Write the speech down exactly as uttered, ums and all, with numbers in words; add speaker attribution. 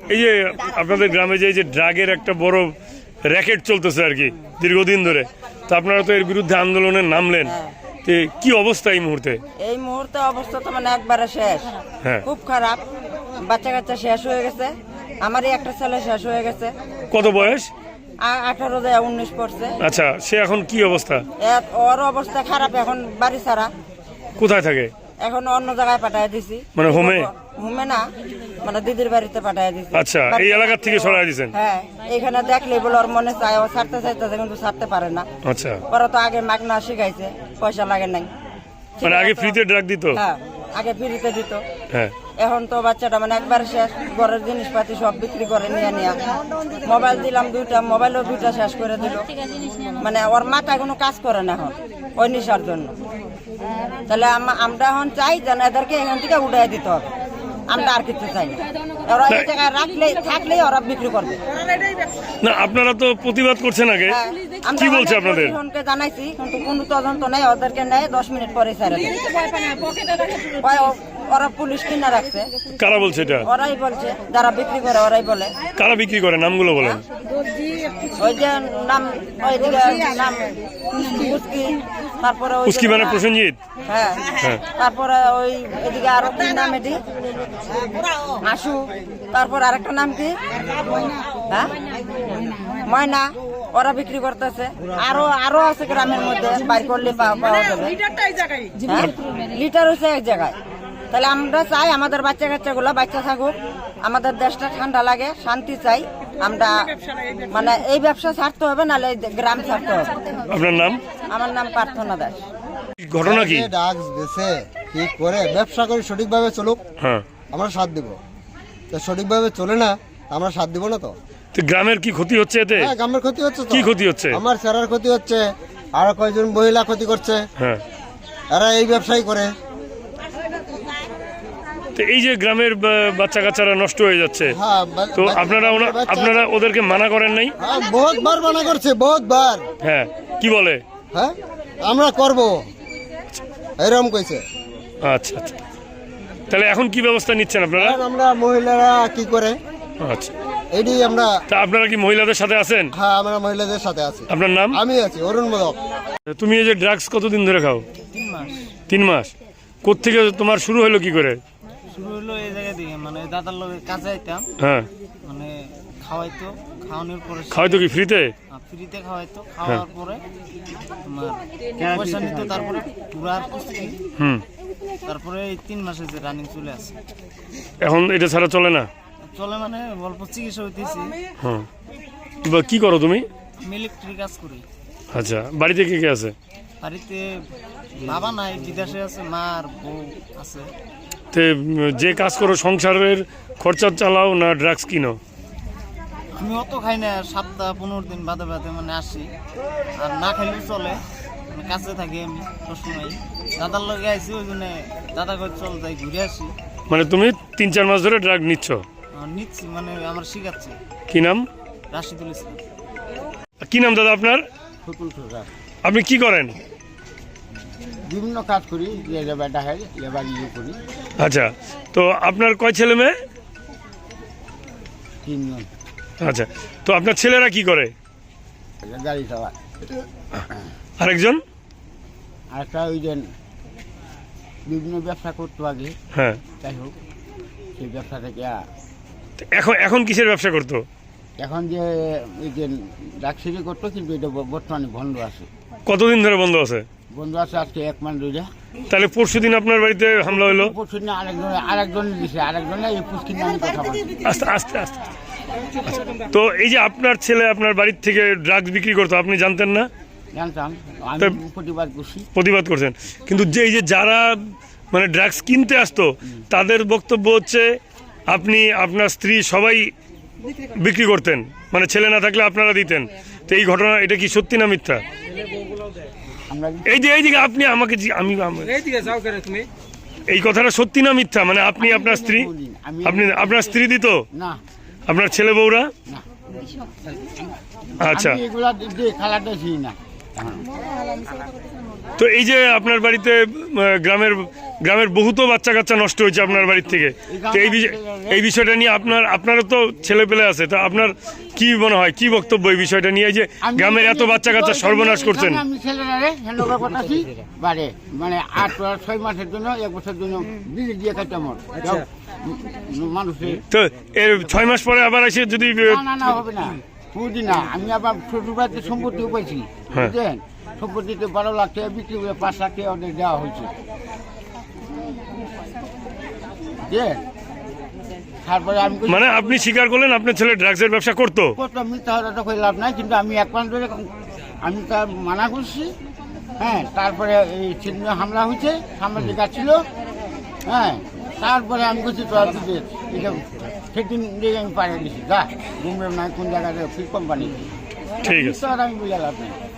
Speaker 1: এই যে আপনাদের গ্রামে যে এই যে ড্রাগের একটা বড় র্যাকেট চলতেছে আর কি দীর্ঘদিন ধরে, তো আপনারা তো এর বিরুদ্ধে আন্দোলনে নামলেন, তো কি অবস্থা এই মুহূর্তে?
Speaker 2: এই মুহূর্তে অবস্থা তো মানে একবারে শেষ,
Speaker 1: হ্যাঁ
Speaker 2: খুব খারাপ। বাচ্চা কাচ্চা শেষ হয়ে গেছে, আমারই একটা ছেলে শেষ হয়ে গেছে।
Speaker 1: কত বয়স?
Speaker 2: আ- আঠারো দেয় উনিশ পড়ছে।
Speaker 1: আচ্ছা, সে এখন কি অবস্থা?
Speaker 2: এ- ওর অবস্থা খারাপ, এখন বাড়ি ছাড়া,
Speaker 1: কোথায় থাকে?
Speaker 2: এখন অন্য জায়গায় পাঠায় দিছি।
Speaker 1: মানে হোমে?
Speaker 2: হোমে না, মানে দিদির বাড়িতে পাঠায় দিছি।
Speaker 1: আচ্ছা, এই এলাকার থেকে সরাই দিয়েছেন?
Speaker 2: হ্যাঁ, এখানে দেখলে বলে ওর মনে চায়, ও ছাড়তে চাইতেছে কিন্তু ছাড়তে পারে না।
Speaker 1: আচ্ছা,
Speaker 2: ওরা তো আগে মাগনা শিখাইছে, পয়সা লাগে নাই।
Speaker 1: মানে আগে ফ্রিতে ড্রাগ দিত?
Speaker 2: হ্যাঁ, আগে ফ্রিতে দিত।
Speaker 1: হ্যাঁ,
Speaker 2: এখন তো বাচ্চাটা মানে একবার শেষ, ঘরের জিনিসপাতি সব বিক্রি করে নিয়ে নিয়ে। মোবাইল দিলাম দুইটা, মোবাইলও দুইটা শেষ করে দিল। মানে ওর মাথায় কোনো কাজ করে না এখন ওই নেশার জন্য। তাহলে আম- আমরা এখন চাই যেন এদেরকে এখান থেকে উঠাই দিতে হবে, আমরা আর কিছু চাই না। ওরা এই জায়গায় রাখলে থাকলেই ওরা বিক্রি করবে।
Speaker 1: না আপনারা তো প্রতিবাদ করছেন আগে,
Speaker 2: হ্যাঁ, আমরা
Speaker 1: কি বলছে
Speaker 2: অনেক
Speaker 1: আপনাদের?
Speaker 2: প্রশাসনকে জানাইছি কিন্তু কোনো তদন্ত নেই, ওদেরকে নেয় দশ মিনিট পরে ছেড়ে দেয়। ওই- ওরা পুলিশ কিনা রাখছে।
Speaker 1: কারা বলছে এটা?
Speaker 2: ওরাই বলছে, যারা বিক্রি করে ওরাই বলে।
Speaker 1: কারা বিক্রি করে নামগুলো বলেন?
Speaker 2: ওই যে নাম, ওইদিকে নাম উস্কি, তারপরে ওই যে-
Speaker 1: উস্কি মানে প্রসেনজিৎ?
Speaker 2: হ্যাঁ,
Speaker 1: হ্যাঁ।
Speaker 2: তারপরে ওই এদিকে আরো কি নাম এটি, আশু, তারপর আরেকটা নাম কি, হ্যাঁ ময়না, ওরা বিক্রি করতেছে। আরো আরো আছে গ্রামের মধ্যে, বাইর করলে পাওয়া পাওয়া যাবে। হ্যাঁ, লিটার হচ্ছে এক জায়গায়। তাহলে আমরা চাই আমাদের বাচ্চা কাচ্চা গুলা বাচ্চা থাকুক, আমাদের দেশটা ঠান্ডা লাগে, শান্তি চাই আমরা। মানে এই ব্যবসা ছাড়তে হবে, নাহলে এই গ্রাম ছাড়তে হবে।
Speaker 1: আপনার নাম?
Speaker 2: আমার নাম প্রার্থনা দাস।
Speaker 1: ঘটনা কি?
Speaker 3: ড্রাগস বেচে কি করে ব্যবসা করে সঠিকভাবে চলুক,
Speaker 1: হ্যাঁ,
Speaker 3: আমরা সাথ দিব। তো সঠিকভাবে চলে না, আমরা সাথ দিব না। তো
Speaker 1: তো গ্রামের কি ক্ষতি হচ্ছে এতে?
Speaker 3: হ্যাঁ, গ্রামের ক্ষতি হচ্ছে তো।
Speaker 1: কি ক্ষতি হচ্ছে?
Speaker 3: আমার চেরার ক্ষতি হচ্ছে, আরো কয়েকজন মহিলা ক্ষতি করছে।
Speaker 1: হ্যাঁ,
Speaker 3: এরা এই ব্যবসায়ী করে।
Speaker 1: তো এই যে গ্রামের বা- বাচ্চা কাচ্চারা নষ্ট হয়ে যাচ্ছে,
Speaker 3: হ্যাঁ, বা-
Speaker 1: তো
Speaker 3: বা-
Speaker 1: আপনারা ওনা-
Speaker 3: বাচ্চা-
Speaker 1: আপনারা ওদেরকে মানা করেন নাই?
Speaker 3: হ্যাঁ, বহুতবার মানা করছে, বহুতবার।
Speaker 1: হ্যাঁ, কি বলে?
Speaker 3: হ্যাঁ, আমরা করব এরকম কইছে।
Speaker 1: আচ্ছা আচ্ছা, তাহলে এখন কি ব্যবস্থা নিচ্ছেন আপনারা?
Speaker 3: আর আমরা মহিলারা কি করে
Speaker 1: আচ্ছা,
Speaker 3: এটি আমরা।
Speaker 1: তা আপনারা কি মহিলাদের সাথে আছেন?
Speaker 3: হ্যাঁ, আমরা মহিলাদের সাথে আছি।
Speaker 1: আপনার নাম?
Speaker 3: আমি আছি অরুণ মোদক।
Speaker 1: তুমি এই যে ড্রাগস কতদিন ধরে খাও?
Speaker 4: তিন মাস
Speaker 1: তিন মাস। কোত্থেকে তোমার শুরু হলো কি করে?
Speaker 4: শুরু হলো এই জায়গা থেকে, মানে দাদার লোক কাজে আইতাম,
Speaker 1: হ্যাঁ,
Speaker 4: মানে খাওয়াইতো, খাওয়ানোর পরে
Speaker 1: খাওয়াই তো কি ফ্রিতে?
Speaker 4: ফ্রিতে খাওয়াইতো, খাওয়ার পরে তোমার পয়সা নিত, তারপরে পুরার কুস্তি,
Speaker 1: হুম,
Speaker 4: তারপরে এই তিন মাসে যে রানিং চলে আসে।
Speaker 1: এখন এটা ছাড়া চলে না?
Speaker 4: চলে মানে অল্প চিকিৎসা হইতেছি।
Speaker 1: হ্যাঁ, বা কি করো তুমি?
Speaker 4: আমি ইলেকট্রিক কাজ করি।
Speaker 1: আচ্ছা, বাড়িতে কে কে আছে?
Speaker 4: বাড়িতে বাবা নাই, বিদেশে আছে, মা আর বউ আছে।
Speaker 1: তে উম, যে কাজ করো সংসারের খরচা চালাও না ড্রাগস কিনো?
Speaker 4: আমি অত খাই না, সপ্তাহ পনেরো দিন বাদে বাদে মানে আসি, আর না খাইলেও চলে, মানে কাছে থাকি আমি সবসময়। দাদার লগে আইসি, ওই জন্য দাদা কই চল যাই ঘুরে আসি।
Speaker 1: মানে তুমি তিন চার মাস ধরে ড্রাগ নিচ্ছ?
Speaker 4: আহ, নিচ্ছি, মানে আমার শিখাচ্ছে
Speaker 1: কি নাম?
Speaker 4: রাশিদুল ইসলাম।
Speaker 1: কি নাম দাদা আপনার? আপনি কি করেন?
Speaker 3: বিভিন্ন কাজ করি, লেবার ডাকাই, লেবার ইয়ে করি।
Speaker 1: আচ্ছা, তো আপনার কয় ছেলে মেয়ে?
Speaker 3: তিনজন
Speaker 1: আচ্ছা, তো আপনার ছেলেরা কি করে?
Speaker 3: গাড়ি চালায়।
Speaker 1: আরেকজন?
Speaker 3: আরেকটা ওই যে বিভিন্ন ব্যবসা করতো আগে,
Speaker 1: হ্যাঁ,
Speaker 3: যাই হোক সেই ব্যবসা থেকে আ-
Speaker 1: তো এখন এখন কিসের ব্যবসা করতো?
Speaker 3: এখন যে ওই যে ডাকসিরি করতো, কিন্তু এটা ব- বর্তমানে বন্ধ আছে।
Speaker 1: কতদিন ধরে বন্ধ আছে?
Speaker 3: বন্ধ আছে আজকে এক মাস ধরে।
Speaker 1: তাহলে পরশুদিন আপনার বাড়িতে হামলা হলো?
Speaker 3: পরশু দিন আরেকজন আরেকজন দিছে, আরেকজনে এই পুষ্কির নামে কথা বলছে।
Speaker 1: আস্তে আস্তে আস্তে আচ্ছা, তো এই যে আপনার ছেলে আপনার বাড়ির থেকে ড্রাগস বিক্রি করতো, আপনি জানতেন না?
Speaker 3: জানতাম, আমি
Speaker 1: তা-
Speaker 3: প্রতিবাদ করছি।
Speaker 1: প্রতিবাদ করছেন, কিন্তু যে এই যে যারা মানে ড্রাগস কিনতে আসতো তাদের বক্তব্য হচ্ছে আপনি আপনার স্ত্রী সবাই বিক্রি করতেন, মানে ছেলে না থাকলে আপনারা দিতেন। তো এই ঘটনা এটা কি সত্যি না মিথ্যা?
Speaker 3: আমরা
Speaker 1: এই যে এইদিকে আপনি আমাকে জি- আমি আমি- এই কথাটা সত্যি না মিথ্যা? মানে আপনি আপনার স্ত্রী
Speaker 3: আমি
Speaker 1: আপনি আপনার স্ত্রী দিত,
Speaker 3: না
Speaker 1: আপনার ছেলে বউরা?
Speaker 3: না
Speaker 1: আচ্ছা,
Speaker 3: আমি এগুলা দিয়ে খেলাটা ছিল না।
Speaker 1: তো এই যে আপনার বাড়িতে আহ, গ্রামের গ্রামের বহুত বাচ্চা কাচ্চা নষ্ট হয়েছে আপনার বাড়ির থেকে, তো এই বিষয় এই বিষয়টা নিয়ে আপনার আপনারও তো ছেলে পেলে আছে, তো আপনার কি মনে হয়, কি বক্তব্য এই বিষয়টা নিয়ে, এই যে
Speaker 3: আমি
Speaker 1: গ্রামের এত বাচ্চা কাচ্চা সর্বনাশ করছেন?
Speaker 3: আমি ছেলেরারে হ্যান্ডওভার করতেছি বারে, মানে আট আর ছয় মাসের জন্য এক বছর জন্য বিলি দিয়ে খাইতে আমার মানুষের।
Speaker 1: তো এর ছয় মাস পরে আবার এসে যদি
Speaker 3: না না না হবে না, বুঝি না। আমি আবার শ্বশুর বাড়িতে সম্পত্তিও পাইছি,
Speaker 1: হ্যাঁ।
Speaker 3: বুঝলেন? সম্পত্তিতে বারো লাখ টাকা বিক্রি করে পাঁচ লাখ টাকা ওদের দেওয়া হয়েছে, বুঝলেন? তারপরে আমি কইছি,
Speaker 1: মানে আপনি স্বীকার করলেন আপনার ছেলে ড্রাগসের ব্যবসা করতো?
Speaker 3: কত মিথ্যা হওয়াটা করে লাভ নাই, কিন্তু আমি এক পান ধরে আমি তার মানা করছি। হ্যাঁ, তারপরে এই চিহ্ন হামলা হয়েছে, সামনে গাছ ছিল। হ্যাঁ, তারপরে আমি করছি তো এটা সেদিন দিয়ে আমি পাঠিয়ে দিচ্ছি, যা ঘুমবে না কোন জায়গায় ফিল কোম্পানি।
Speaker 1: ঠিক আছে।
Speaker 3: আমি বুঝে লাভ নেই।